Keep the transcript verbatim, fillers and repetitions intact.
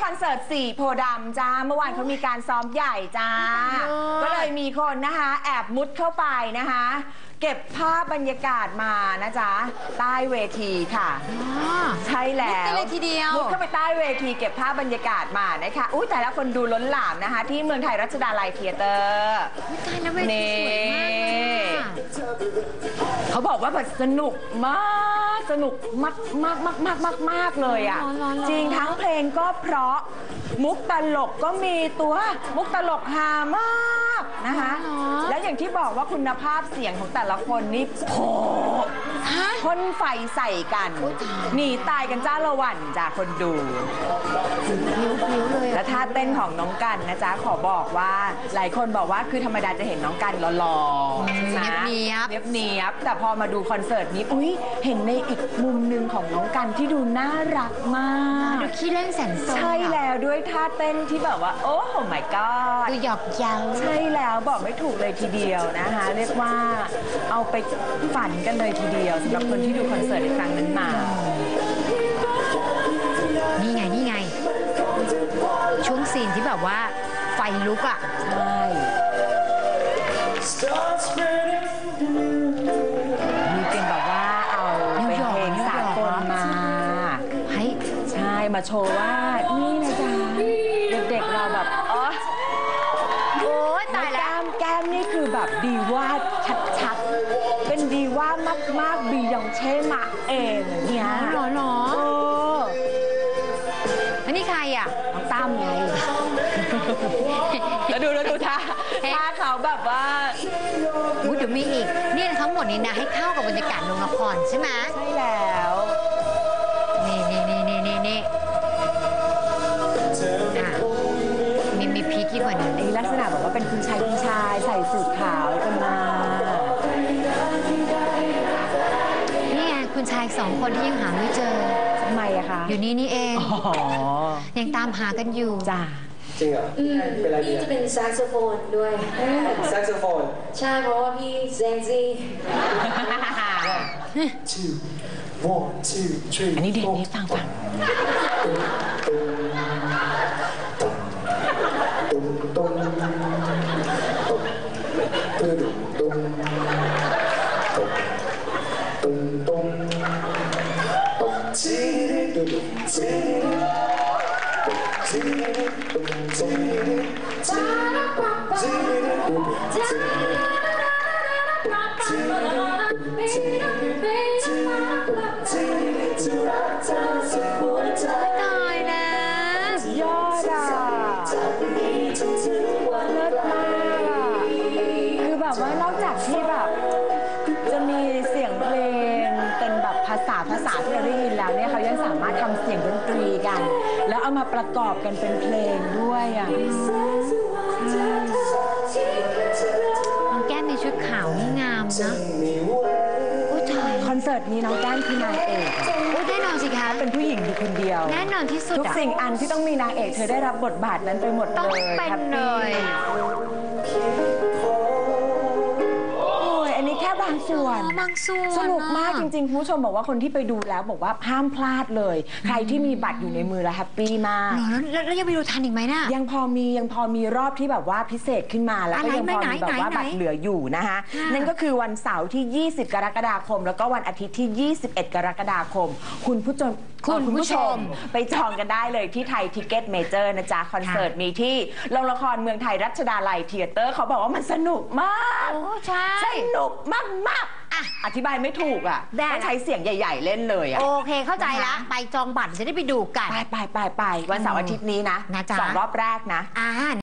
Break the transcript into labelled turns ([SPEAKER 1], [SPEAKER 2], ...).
[SPEAKER 1] คอนเสิร์ตสี่โพธิ์ดำจ้าเมื่อวานเขามีการซ้อมใหญ่จ้าก็เลยมีคนนะคะแอบมุดเข้าไปนะคะเก็บภาพบรรยากาศมานะจ๊ะใต้เวทีค่ะใช่แล้วมุดเลยทีเดียวมุดเข้าไปใต้เวทีเก็บภาพบรรยากาศมานะคะอุ้ยแต่ละคนดูล้นหลามนะคะที่เมืองไทยรัชดาลัยเธียเตอร์นี่เขาบอกว่าแบบสนุกมากสนุกมากมากมากมากมากมากเลยอ่ะจริงทั้งเพลงก็เพราะมุกตลกก็มีตัวมุกตลกฮามากนะคะแล้วอย่างที่บอกว่าคุณภาพเสียงของแต่ละคนนี่โผพ่นไฟใส่กันหนีตายกันจ้าละวันจ้าคนดูและท่าเต้นของน้องกันนะจ๊ะขอบอกว่าหลายคนบอกว่าคือธรรมดาจะเห็นน้องกันหล่อๆใช่ไหมเนียบเนียบเนียบแต่พอมาดูคอนเสิร์ตนี้อุ้ยเห็นในอีกมุมหนึ่งของน้องกันที่ดูน่ารักมาก
[SPEAKER 2] ดูขี้เล่นแสนสน
[SPEAKER 1] ใช่แล้วด้วยท่าเต้นที่แบบว่าโอ้โห my god
[SPEAKER 2] ดูหยอกเย้า
[SPEAKER 1] ใช่แล้วบอกไม่ถูกเลยทีเดียวนะคะเรียกว่าเอาไปฝันกันเลยทีเดียวสำหรับคนที่ดูคอนเสิร์ตในครั้งนั้นมา
[SPEAKER 2] นี่ไงนี่ไงช่วงซีนที่แบบว่าไฟลุกอ่ะ
[SPEAKER 1] ใช่มีเป็นแบบว่าเอาเป็นเพลงสากลมาให้ใช่มาโชว์ว่านี่นะจ๊ะเด็กๆเราแบบอ๋อ
[SPEAKER 2] โอ้ยตายแล้ว
[SPEAKER 1] แก้มนี่คือแบบดีว่าชัดๆเป็นดีว่ามากๆบียองเช่มาเองเนี่ย
[SPEAKER 2] หรอหรอ
[SPEAKER 1] เออ
[SPEAKER 2] อันนี้ใครอ่ะ
[SPEAKER 1] น้องตั้มไงแล้วดูแล้วดูท่าท่าเขาแบบว่า
[SPEAKER 2] อุ๊ยเดี๋ยวมีอีกนี่ทั้งหมดนี้นะให้เข้ากับบรรยากาศโรงละครใช่ไหม
[SPEAKER 1] ใช่แล้ว
[SPEAKER 2] นี่นี่นี่นี่นี่นี่มีมีพีกี้กว่านี้
[SPEAKER 1] ไอ้ลักษณะแบบว่าเป็นคุณชายคุณชายใส่สูทขาวกันมา
[SPEAKER 2] นี่ไงคุณชายสองคนที่ยังหาไม่เจอ
[SPEAKER 1] ทำไมอะคะ
[SPEAKER 2] อยู่นี่นี่เองยังตามหากันอยู่
[SPEAKER 1] จ้า
[SPEAKER 3] จริงเหรอเป็นอะไร
[SPEAKER 4] พี่จะเป็นแซกโซโฟนด้วย
[SPEAKER 3] แซกโซโฟน
[SPEAKER 4] ใช่เพราะว่าพี่เซนซี่
[SPEAKER 1] อันนี้เด็กนี่ฟังฟัง
[SPEAKER 2] ตายนะ
[SPEAKER 1] ยอดอ่ะเลิศมากอ่ะคือแบบว่านอกจากที่แบบจะมีเสียงเพลงเป็นแบบภาษาภาษาที่เราได้ยินแล้วเนี่ยเขายังสามารถทำเสียงดนตรีกันแล้วเอามาประกอบกันเป็นเพลงด้วยอ่ะ
[SPEAKER 2] น้องแก้มในชุดขาวนี่งามนะ
[SPEAKER 1] คอนเสิร์ตนี้น้องแก้มคือนางเอก
[SPEAKER 2] โอ้แน่นอนสิคะ
[SPEAKER 1] เป็นผู้หญิงอยู่คนเดียว
[SPEAKER 2] แน่นอนที่สุด
[SPEAKER 1] ทุกสิ่งอันที่ต้องมีนางเอกเธอได้รับบทบาทนั้นไปหมดเลย
[SPEAKER 2] ต้องเป็นเลย
[SPEAKER 1] อันนี้แค่บางส่วน
[SPEAKER 2] บางส่วน
[SPEAKER 1] สนุกมากจริงๆคุณผู้ชมบอกว่าคนที่ไปดูแล้วบอกว่าห้ามพลาดเลยใครที่มีบัตรอยู่ในมือแล้วแฮปปี้มาก
[SPEAKER 2] แล้วยังไปดูทันอีกไหมน่ะ
[SPEAKER 1] ยังพอมียังพอมีรอบที่แบบว่าพิเศษขึ้นมาแล้วก็ยังพอมีแบบว่าบัตรเหลืออยู่นะคะนั่นก็คือวันเสาร์ที่ยี่สิบกรกฎาคมแล้วก็วันอาทิตย์ที่ยี่สิบเอ็ดกรกฎาคมคุณผู้ชม
[SPEAKER 2] คุณผู้ชม
[SPEAKER 1] ไปจองกันได้เลยที่ไทยทิกเก็ตเมเจอร์นะจ๊ะคอนเสิร์ตมีที่โรงละครเมืองไทยรัชดาลัยเธียเตอร์เขาบอกว่ามันสนุกมาก
[SPEAKER 2] โอ้ใช่
[SPEAKER 1] สนุกมากๆอ่ะอธิบายไม่ถูกอ่ะต้องใช้เสียงใหญ่ๆเล่นเลยอ่ะ
[SPEAKER 2] โอเคเข้าใจละไปจองบัตรจะได้ไปดูกัน
[SPEAKER 1] ไปไปไปไปวันเสาร์อาทิตย์นี้นะสองรอบแรกนะ